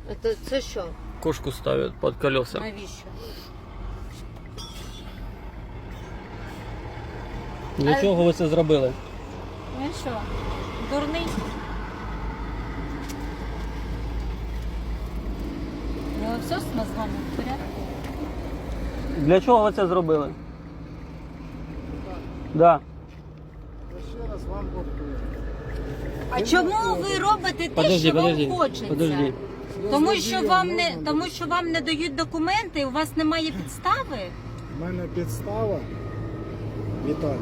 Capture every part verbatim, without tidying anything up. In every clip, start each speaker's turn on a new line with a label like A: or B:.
A: Це, це що?
B: Кошку ставят под колеса.
A: Навіщо?
B: Для
A: А-
B: чого ви це зробили?
A: Ну і що? Дурний? Ну все з мозгами в порядку?
B: Для чого ви це зробили? Да.
C: Ще раз вам повторюю.
A: А чому ви робите те,
B: Подожди,
A: що
B: подожди,
A: вам хочеться?
B: подожди.
A: Тому що вам не тому, що вам не дають документи, у вас немає підстави.
C: У мене підстава, Віталій,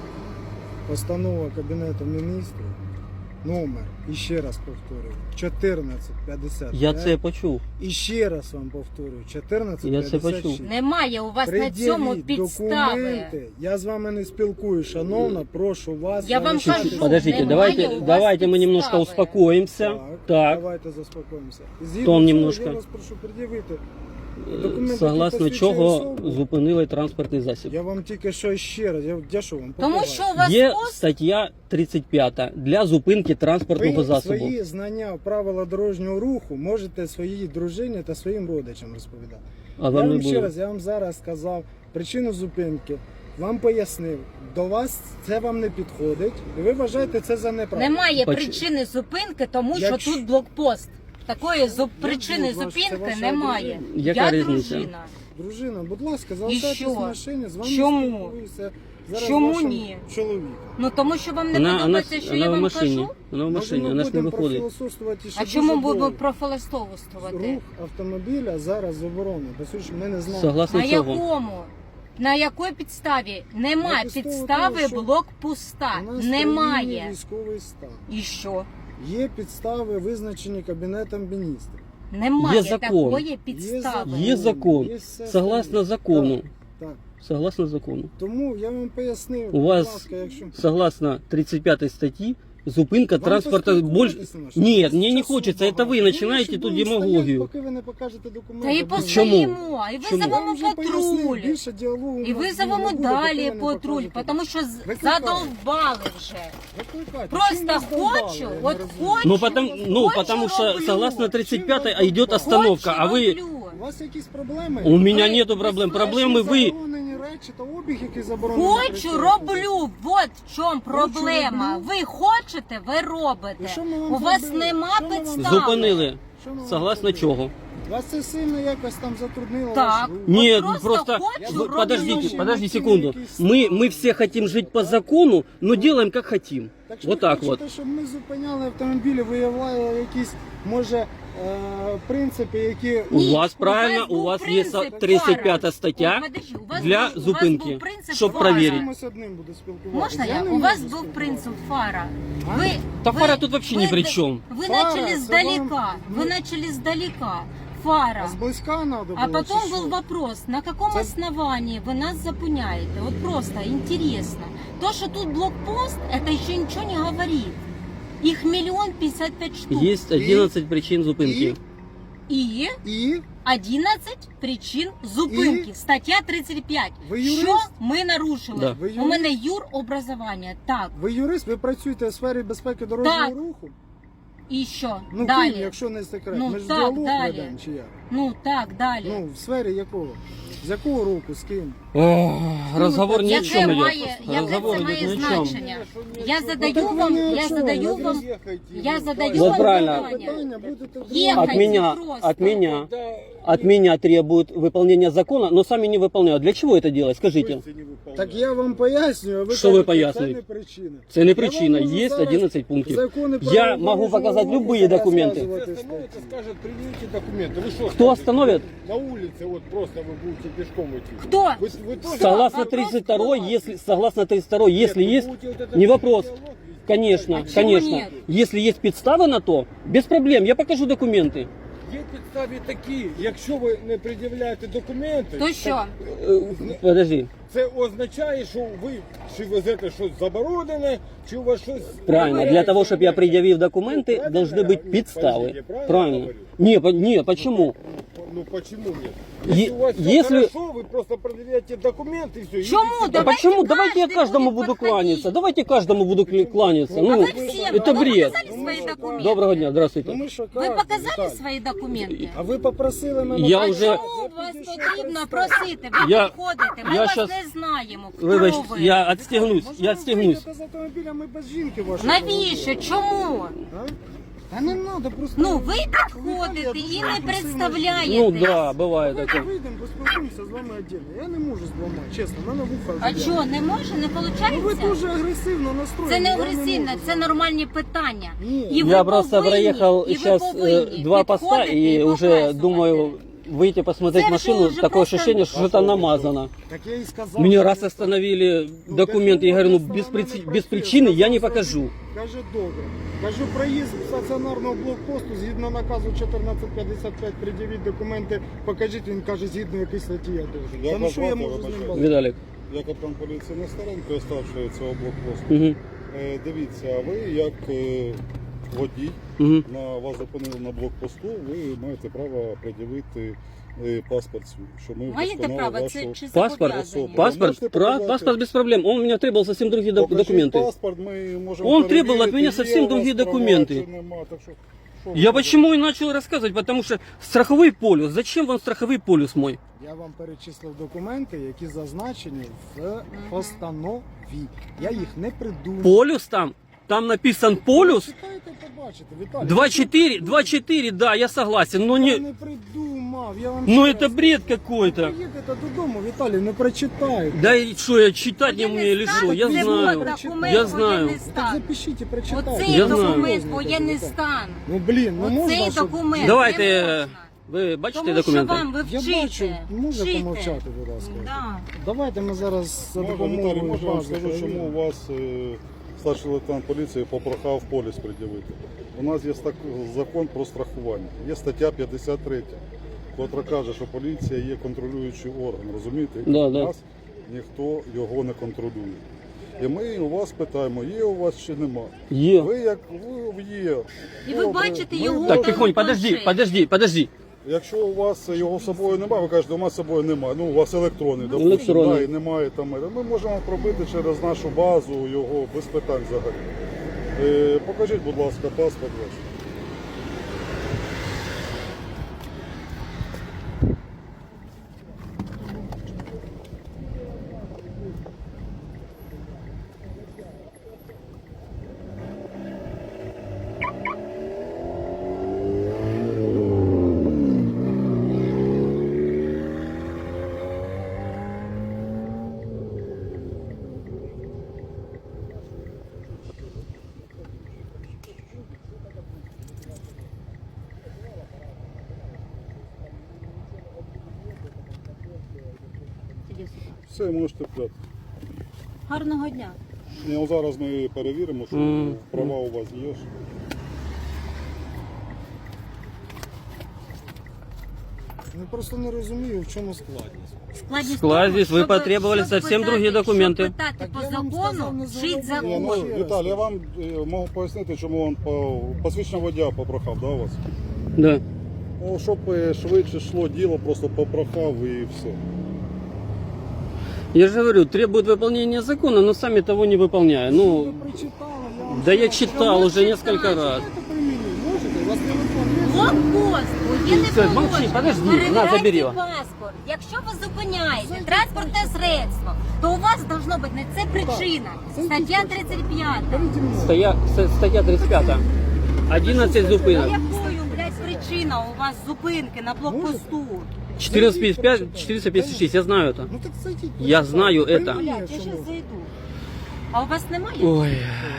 C: постанова Кабінету міністрів, номер, і ще раз повторюю, чотирнадцять п'ятдесят п'ять.
B: Я це почув.
C: І ще раз вам повторюю, чотирнадцять
B: Я це
C: п'ятдесят шість.
B: почув.
A: Немає у вас на цьому
C: Пред'явіть
A: підстави.
C: документи. Я з вами не спілкуюсь, шановна, прошу вас.
A: Я вам
C: залишайтесь.
A: кажу,
B: Подождите,
A: немає
B: давайте,
A: у вас
B: давайте мы
A: підстави.
B: немножко успокоимся.
C: Так,
B: Так,
C: давайте заспокоїмося. Згідно
B: Тон
C: цього,
B: немножко.
C: Я вас прошу пред'явити. Документи,
B: согласно
C: які
B: чого
C: посвідчують особу.
B: зупинили транспортний засіб.
C: Я вам тільки що ще раз, я, я що вам
A: Тому
C: показав?
A: що у вас
B: Є
A: пост
B: стаття тридцять п'ята для зупинки транспортного
C: Ви
B: засобу.
C: свої знання правила дорожнього руху можете своїй дружині та своїм родичам розповідати.
B: А
C: Я
B: вам не
C: вам ще
B: було.
C: раз, я вам зараз сказав причину зупинки, вам пояснив. До вас це вам не підходить, і ви вважаєте це за неправильно.
A: немає
B: Поч-
A: причини зупинки, тому
C: Якщо-
A: що тут блокпост. Такої зу... причини
C: ваш- це
A: зупинки
C: ваша
A: немає.
B: Яка
A: Я
B: різниця?
A: дружина.
C: Дружина, будь ласка, залишайтесь
A: що?
C: в машині, з вами
A: Чому?
C: спілкуюся зараз
A: Чому
C: вашим
A: ні?
C: чоловіком.
A: Ну тому що вам не
B: Вона, вона,
A: подобається, що
B: вона
A: я
B: в
A: вам
B: машині.
A: кажу.
B: Вона в
C: Може,
B: машині,
C: ми
B: вона ж не
C: будемо
B: виходить.
C: профілософствувати ще
A: А
C: дуже
A: чому
C: довго.
A: будемо профілістовувати?
C: Рух автомобіля зараз заборонено, бо що ж ми не знаємо.
B: Согласно
A: На
B: чого?
A: якому? На якій підставі? Немає
C: На підставі
A: підстави
C: того, що
A: блокпоста.
C: У нас в
A: Немає.
C: країні військовий стан.
A: І що?
C: Є підстави, визначені Кабінетом міністрів.
A: Немає
B: Є закон.
A: такої підстави.
B: Є закон.
C: Є все
B: Согласно
C: остальне.
B: закону.
C: Так, так.
B: Согласно закону.
C: Тому я вам пояснив,
B: У
C: будь
B: вас
C: ласка, якщо...
B: Согласно тридцать пятой статьи, зупинка
C: Вам
B: транспорта больше...
C: поспілкуватися на що?
B: Нет, мне не
C: Часу
B: хочется, это
C: багато.
B: вы
C: Ну,
B: начинаете
C: що
B: тут
C: будемо
B: демагогию.
C: стояти, поки ви не покажете документи.
A: Та і
C: будемо-
A: постоїмо, і
B: Чому?
C: Я
A: визовемо
C: вам вже пояснив,
A: патруль.
C: більше діалогу
A: І
C: у нас
A: визовемо
C: не буде,
A: далі
C: поки ви не
A: патруль,
C: покажете.
A: тому що з-
C: Викликайте.
A: задовбали вже.
C: Викликайте. Чим
A: Просто
C: вас довбали,
A: хочу,
C: я не
A: от
C: розумію.
A: хочу.
B: Ну, потому, ну,
A: Хочу,
B: потому что
A: роблю.
B: согласно тридцать пятой
C: Чим
B: идет
C: вас
B: остановка, а вы...
A: Хочу, роблю.
C: У вас якісь проблеми?
B: У меня
A: Ви-
B: нету
A: ви
B: проблем.
A: слышите?
B: Проблемы вы...
C: Заборонені речі та обіг, який заборонений.
A: Хочу, роблю. Вот в чому проблема.
C: роблю.
A: Ви хочете, ви
C: І
A: робите.
C: що ми вам
A: У вас
C: зробили?
A: нема
C: Що ми вам
A: підстави.
B: Зупинили.
C: Що ми вам
B: Согласно
C: зробили?
B: чого?
C: Вас це сильно якось там затруднило?
A: Так.
C: ваш рух?
B: Нет,
A: просто
B: просто...
A: хочу,
B: Вы-
A: роблю.
B: Подождите, подожди
C: Мотивы
B: секунду.
C: какие-то
B: Мы,
C: странные.
B: мы все хотим жить по закону, но делаем как хотим.
C: Так що
B: Вот
C: ви
B: так вот.
C: хочете, щоб ми зупиняли автомобілі, виявляли якісь, може, е, принципи, які...
B: У
A: Ні,
B: вас
A: у
B: правильно,
A: вас
B: у
A: був
B: вас
A: принцип
B: есть тридцать пятая
A: фара.
B: статья
A: Ой, подожди, у вас
B: для
A: був- у вас
B: зупинки,
A: був принцип
B: щоб
A: фара.
B: проверить.
C: Комусь одним буду спілкуватися.
A: Можна я?
C: не
A: У вас
C: можу
A: був
C: спілкуватися.
A: принцип фара.
C: А?
A: Ви,
B: Та
A: ви-
B: фара тут вообще
A: ви
B: ни при
A: д-
B: чем.
A: Ви
C: Фара,
A: начали
C: це
A: издалека.
C: вам-
A: Вы
C: ну-
A: начали издалека. Фара.
C: А зблизька треба було,
A: А потом
C: чи
A: был
C: що?
A: вопрос, на каком
C: Це-
A: основании вы нас запуняете? Вот просто интересно. То, что тут блокпост, это еще ничего не говорит. Их миллион пятьдесят пять штук.
B: Есть одиннадцать причин зупинки.
A: И
C: І
A: одиннадцать причин зупинки.
C: І?
A: Стаття тридцять п'ять.
C: Ви юрист?
A: Що ми нарушили?
B: Да.
C: Ви
A: У
C: юрист?
A: мене юробразування. Так.
C: ви юрист, ви працюєте в сфері безпеки дорожнього
A: Так.
C: руху?
A: І що?
C: Ну,
A: далі.
C: ким, якщо не секрет.
A: Ну,
C: Ми ж
A: так,
C: діалог
A: далі.
C: ведемо, чи як?
A: Ну так, далі.
C: Ну, в сфері якого? З якого року, з ким?
B: Ох, разговор ни о
A: Яке
B: чем
A: має,
B: идет.
A: яке
B: Разговор
A: це
B: идет
A: має
B: ни о чем.
A: значення? Я
C: Ну,
A: задаю
C: так ви
A: вам,
C: ні о
A: я
C: чому,
A: задаю
C: ви
A: вам, я задаю
B: Вот
A: вам
B: правильно.
A: питання.
C: Питання будете
A: Ехать
B: От меня,
A: просто.
B: от меня, от меня требуют выполнения закона, но сами не выполняют. Для чего это делать? Скажите.
C: Так я вам пояснюю, а ви
B: Що ви
C: кажете,
B: пояснюєте?
C: це не причина.
B: Это не
C: Я
B: причина,
C: вам можу
B: есть
C: зараз
B: одиннадцать пунктов.
C: закони про
B: Я
C: дорожнього
B: могу показать
C: руху
B: любые документы.
C: розказувати
D: Остановится,
C: статті.
D: скажет, предъявите документы. Вы что?
B: Кто
D: скажете?
B: остановит?
D: На улице вот просто вы будете пешком идти.
A: Кто?
D: Вы, вы тоже-
B: Согласно
A: вопрос
B: тридцать второй,
A: к вам.
B: если, согласно тридцать второй,
D: Нет,
B: если
D: вы
B: есть,
D: будете вот это
B: не вопрос.
D: диалог вести.
B: конечно,
A: А чего
B: конечно.
A: нет?
B: Если есть подставы на то, без проблем, я покажу документы.
D: Є підстави такі, якщо ви не пред'являєте документи,
A: То що?
B: Э, Подожди.
D: це означає, що ви чи везете щось заборонене, чи у вас щось...
B: Правильно, для того, чтобы я предъявил документы,
D: Правильно
B: должны
D: я
B: быть
D: говорю?
B: подставы.
D: Подождите, правильно
B: Правильно.
D: говорю?
B: Не, по- не, почему?
D: Ну почему нет?
B: Е-
D: Если у вас всё
B: если-
D: хорошо, вы просто проверяете документы и все.
A: Чему?
B: Да
A: Давайте
B: почему? Давайте я
A: каждый
B: каждому
A: будет
B: буду
A: подходить.
B: кланяться. Давайте каждому буду кля- кланяться.
A: А
B: Ну,
A: вы все,
B: это
A: вы
B: бред.
A: показали свои документы?
B: Доброго дня,
C: Ну
B: здравствуйте.
C: ми що
A: Вы
C: кажемо,
A: показали
C: Віталій?
A: свои документы?
C: А ви попросили мене...
B: Я
A: А
B: вже-
A: чому вас потрібно просити? Ви
B: Я-
A: підходите, ми
B: я
A: вас
B: щас-
A: не знаємо. Хто
B: Вибач,
A: ви?
B: я отстегнусь,
C: Можна
B: я
C: ви
B: отстегнусь.
C: вийдете з автомобіля, ми без жінки вашої
A: Навіщо?
C: поговоримо?
A: Чому?
C: А? Та не треба, просто...
A: Ну, ви
C: Віталій,
A: підходите
C: я
A: і
C: дуже
A: не
C: агресивна
A: представляєте.
B: Ну да, бывает
C: Давайте
B: такое.
C: вийдемо, поспілкуємося з вами віддільно. Я не можу зламати, чесно, в мене вуха
A: А
C: заб'є.
A: що, не може, не
C: Ну ви
A: виходить?
C: дуже агресивно настроєні.
A: Це не
C: я
A: агресивно,
C: можу
A: це
C: зламати.
A: нормальні питання.
C: Ні.
A: І ви
B: Я просто
A: повинні,
B: проехал
A: і ви
B: сейчас
A: повинні
B: два поста
A: підходити
B: и
A: і
B: уже
A: показувати.
B: думаю выйти посмотреть
A: Це вже
B: машину.
A: уже
B: Такое
A: просто-
B: ощущение, что что-то намазано.
C: Так я і сказав.
B: Мне
C: що
B: раз
C: не
B: остановили
C: Ну,
B: документы, я говорю, ну
C: кажу,
B: без,
C: вона
B: причи-
C: не
B: без
C: працює,
B: причины я не
C: сказав,
B: покажу.
C: Каже, добре. Кажу, проїзд стаціонарного блокпосту, згідно наказу чотирнадцять п'ятдесят п'ять, пред'явіть документи, покажіть, він каже, згідно якої статті я должен.
E: Я
C: Та ну що я
E: Богдан,
C: можу з ним
E: вибачаю.
C: балакати?
B: Виталик.
E: Я капітан поліції Нестеренко, старший цього блокпосту.
B: Угу.
E: Е, Дивіться, ви як е, водій,
B: Угу.
E: на вас зупинили на блокпосту, ви маєте право пред'явити е, паспорт свій, що ми
A: Маєте
E: вдосконали
A: право, це
E: вашу...
A: чи
B: Паспорт,
A: зобов'язані?
E: Пас-
B: паспорт,
E: можете
B: пра-
E: показать?
B: паспорт без проблем. Он у меня требовал совсем другие док-
E: Покажіть
B: документы.
E: паспорт, ми можемо
B: Он
E: перевірити,
B: требовал от меня
E: є
B: совсем
E: у вас
B: другие
E: права
B: документы.
E: чи нема, так що, що ви
B: Я
E: робите?
B: почему и начал рассказывать, потому что страховой полюс. Зачем вам страховой полюс мой?
C: Я вам перечислив документи, які зазначені в постанові. Я їх не придумав.
B: Полюс там? Там написан полюс?
C: Читайте, побачите, Віталій.
B: два четыре, два четыре, да, я согласен, но
C: Я
B: не...
C: не придумав. Я вам
B: Ну
C: ще
B: это
C: раз
B: бред
C: кажу.
B: какой-то.
C: Приїдете додому, Віталій, не прочитайте.
B: Да и что, я читать не умею или что? Я
A: Це
B: знаю.
A: документ
B: Я знаю.
A: воєнний
C: Так
A: стан.
C: запишіть і прочитайте.
A: Оцей
B: Я знаю.
A: документ воєнний стан.
C: Ну блін, ну можна,
A: Оцей
C: щоб...
A: документ
B: Давайте,
A: не можна.
B: ви бачите
A: Тому що
B: документы?
A: вам ви
C: Я
A: вчите.
C: бачу, можете
A: вчите.
C: помовчати, будь ласка.
A: Да.
C: Давайте ми зараз за
E: Може,
C: допомогою
E: Віталій, може, я вам
C: бази
E: скажу, чому
C: перевіримо.
E: у вас е, старший лейтенант поліції попрохав поліс пред'явити. У нас є так, закон про страхування. Є стаття п'ятдесят три, котра каже, що поліція є контролюючий орган, розумієте?
B: Да,
E: у
B: да.
E: нас ніхто його не контролює. І ми у вас питаємо, є у вас чи нема.
B: Е.
E: Ви як ви є.
A: І ви
E: добре.
A: бачите
E: Ми
A: його
E: бачимо.
B: Так, тихонь, подожди,
A: планшет.
B: подожди, подожди.
E: Якщо у вас його з собою немає, ви кажете, у нас з собою немає. Ну, у вас електронний, допустим,
B: Електронний.
E: да, і немає там. Ми можемо пробити через нашу базу його без питань взагалі. Е, покажіть, будь ласка, паспорт ваш.
A: Іди сюди.
E: Все, можете взяти.
A: Гарного дня.
E: Ні, ну, зараз ми перевіримо, що
B: Мгм.
E: права у вас є.
C: Я просто не розумію, в чому складність.
A: Складність
B: Складність,
A: тому,
B: ви
A: щоб-
B: потребували
A: щоб
B: совсем
A: питати-
B: другі документи.
A: Щоб питати
C: Так
A: по
C: я вам
A: закону,
C: сказав, не
A: вчить
C: заводити.
E: Ні,
A: закон.
E: ну, Віталій, я вам е, можу пояснити, чому він по посвідчення водія попрохав, да, у вас?
B: Да.
E: Ну, щоб е, швидше йшло діло, просто попрохав і все.
B: Я же говорю, требует выполнения закона, но сами того не выполняя.
C: Ви
B: Ну,
C: прочитали, я вам
B: да я
C: сказав,
B: читал
A: Ну,
B: уже
A: читай.
B: несколько раз.
C: Читайте при мені, можете? У вас телефон є?
A: Блокпост, воєнне
B: Все, молчи,
A: положення.
B: подожди, на,
A: Перевіряйте
B: забери його.
A: паспорт. Якщо ви зупиняєте транспортне средство, то у вас должно бути не це причина. Стаття тридцять п'ять.
C: Беріть мною.
B: Стоя, с- статья тридцать пять. одиннадцать зупинок.
A: Якою, блядь, причина у вас зупинки на блокпосту?
B: четыреста пятьдесят пять, четыреста пятьдесят шесть, я знаю это.
C: Ну так зайдіть.
B: Я
C: почитайте.
B: знаю
C: При
B: это.
C: мені,
A: Блядь, я
C: якщо
A: зараз
C: можна.
A: зайду. А у вас немає?
B: Ой.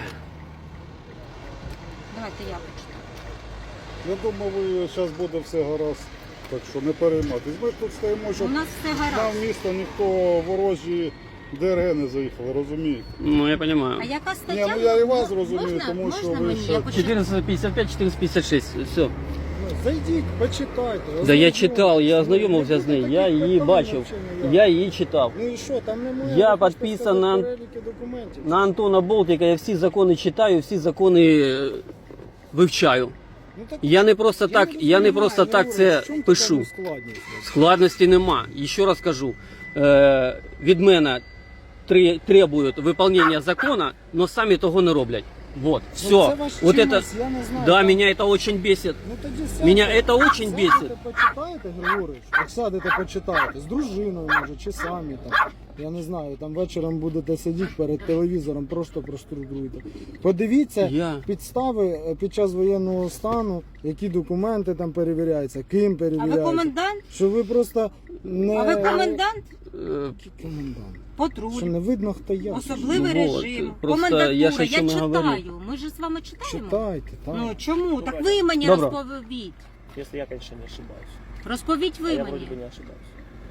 A: Давайте я почитаю.
E: Я думаю, ви зараз буде все гаразд, так що не переймайтесь. Ми ж тут стоїмо,
A: У
E: щоб
A: нас все
E: нам
A: гаразд.
E: в місто ніхто ворожі ДРГ не заїхали, розумієте?
B: Ну, я понимаю.
A: А яка стаття?
E: Ні, ну я і вас
A: М-
E: розумію,
A: можна,
E: тому що
A: можна
E: ви
A: мені?
E: ще-
A: Я почитаю.
B: четыреста пятьдесят пять, четыреста пятьдесят шесть, все.
C: Ну, зайдіть, почитайте.
B: Да я
C: Ознайомтесь.
B: читал, я ознайомився
C: Ну,
B: з нею,
C: таких
B: я її
C: питань
B: бачив,
C: взагалі ніяких.
B: я її читав.
C: Ну і що, там немає?
B: Я
C: ви хочете
B: підписан
C: сказати
B: на-
C: переліки документів?
B: На Антона Болтика я всі закони читаю, всі закони е, вивчаю.
C: Ну, так,
B: Я не просто так, я не
C: розумію,
B: просто
C: Григорій,
B: так це
C: в чому
B: пишу.
C: така складність?
B: Складності нема. І ще раз кажу, е, від мене тре- требують виконання закону, але самі того не роблять. Вот, все.
C: Ну, це ваш
B: Вот это,
C: чимось, я не знаю,
B: да,
C: там-
B: меня это очень бесит.
C: Ну, тоді сядьте,
B: Меня это очень
C: сядете,
B: бесит.
C: почитаєте, Григорич, як сядете, почитаєте, з дружиною, може, чи самі там, я не знаю, там вечором будете сидіти перед телевізором, просто проструктуруйте. Подивіться
B: Я-
C: підстави е, під час воєнного стану, які документи там перевіряються, ким
A: А ви
C: перевіряються.
A: комендант?
C: Що ви просто не...
A: А ви комендант?
B: Е,
C: Комендант.
A: Патруль.
C: Що не видно, хто я.
A: Особливий
B: Ну, вот,
A: режим.
B: просто
A: Комендатура.
B: я
A: Я,
B: ж о чому і
A: читаю.
B: говорю.
A: Ми ж з вами читаємо.
C: Читайте, так.
A: Ну чому? Так ви мені
B: Добре.
A: розповідь.
F: Если я, конечно, не ошибаюсь.
A: Розповідь
F: А
A: ви
F: я
A: мені.
F: вроде бы не ошибаюсь.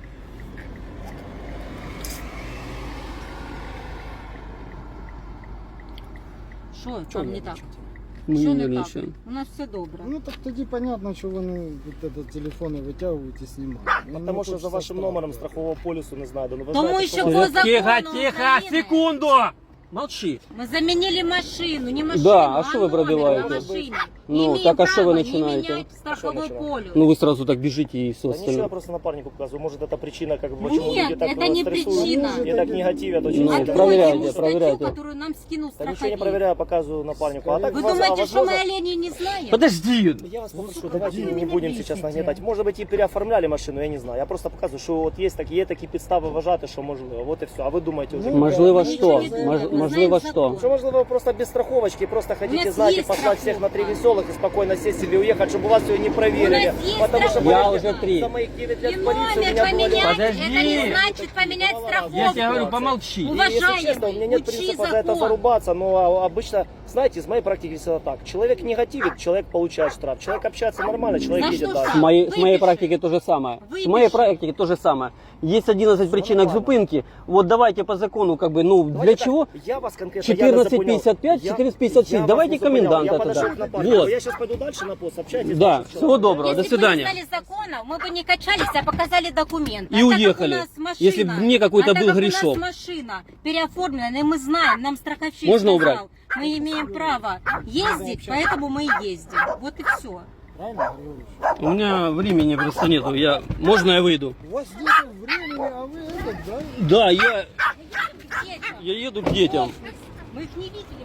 A: Що
F: Чего
A: там не так?
F: нервничаете?
B: мы
A: Що
B: не
A: не так?
B: нервничаем.
A: У нас все добре.
C: Ну так тоді понятно, що вони від этого телефони витягують і знімають. Ну,
F: Потому
C: не
F: что за
C: хочеться
F: вашим
C: так.
F: номером страхового полиса не знаю. Да, ну вы
A: Тому
F: знаете,
A: що
F: что у
A: по
F: вас-
A: закону
B: Тихо, тихо,
A: України
B: секунду! Молчи.
A: Ми замінили машину, не машину,
B: Да, а що ви
A: номер
B: пробиваєте?
A: на машині.
B: Ну,
A: Не имеем
B: так а що ви
A: права
B: починаєте?
A: не менять страховой
F: Що починаємо?
A: полюс.
B: Ну вы сразу так бежите и,
F: Да ничего, я
B: собственно.
F: просто напарнику показываю. Может, это причина, как бы,
A: Нет,
F: почему люди так
A: это не
F: стрессуют
A: причина.
F: и так негативят очень
B: Ну,
A: А
F: сильно.
A: то
B: проверяйте,
A: ему статью,
B: проверяйте.
A: которую нам скинул
F: Да ничего не
A: страховик.
F: проверяю, показываю напарнику. А так,
A: Вы
F: воз- а
A: думаете, что мы
F: возможно-
A: оленей не знаем?
B: Подожди!
F: Я вас
A: Ну,
F: попрошу, давайте не будем сейчас нагнетать. Может быть, и переоформляли машину, я не знаю. Я просто показываю, что вот есть такие, є такі підстави вважати, що можливо. Вот і все. А ви думаєте вже?
B: Можливо,
A: Мы
B: що?
A: ничего не знаем,
B: Мож-
A: мы
B: Можливо,
A: знаем
B: що?
A: закон.
F: Что, можливо, вы просто без страховочки, просто
A: У
F: хотите,
A: нас
F: знаете,
A: есть
F: послать всех на три
A: страховка.
F: веселых и спокойно сесть или уехать, чтобы у вас ее не проверили.
A: У нас есть
F: Потому что
A: страховка.
B: Я
F: поверьте,
B: уже три.
F: за моих девять
A: И
F: лет в полиции у
A: номер
F: меня было
A: поменять,
F: дело.
B: Подожди.
A: это не значит поменять страховку.
B: Я тебе говорю, помолчи.
F: И, если
A: Уважаемый,
F: честно, у меня нет
A: учи
F: принципа за это
A: закон.
F: зарубаться, но а, обычно, знаете, из моей практики всегда так. Человек негативит, человек получает штраф. Человек общается нормально, человек
A: За
F: едет
A: что
F: дальше.
B: С моей, с моей
A: Выпиши.
B: практики то же самое. С
A: Выпиши.
B: моей практики то же самое. Есть одиннадцать причинок
F: нормально.
B: зупинки. Вот давайте по закону, как бы, ну,
F: Давайте
B: для
F: так,
B: чего?
F: Я вас конкретно
B: четырнадцать
F: я не запомнил.
B: пятьдесят пять,
F: Я-
B: четырнадцать пятьдесят шесть.
F: я вас
B: Давайте
F: не запомнил.
B: коменданта
F: Я подошел
B: тогда.
F: к напарнику.
B: Вот.
F: Я сейчас пойду дальше на пост, общайтесь.
B: Да,
F: дальше, всё.
B: всего доброго, до
A: Если
B: свидания.
A: бы мы знали законов, мы бы не качались, а показали документы.
B: И
A: а
B: уехали,
A: Так как у нас машина,
B: если бы мне какой-то
A: а так
B: был
A: как
B: грешок.
A: у нас машина переоформлена, и мы знаем, нам страховщик
B: Можно
A: сказал,
B: убрать?
A: мы имеем право ездить, поэтому мы и ездим. Вот и все.
C: Правильно, Григорич?
B: У меня времени просто нету. Я... Можно я выйду?
C: У вас нету времени, а вы этот, да?
B: Да, я, я еду к детям.
A: Мы их не видели.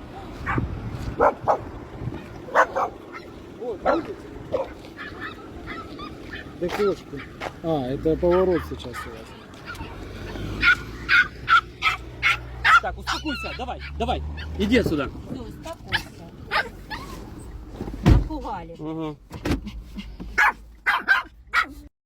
C: Вот, видите? Да кошки. А, это поворот сейчас у вас.
B: Так, успокойся, давай, давай. Иди отсюда.
A: Все, успокойся. Напугали.
B: Ага.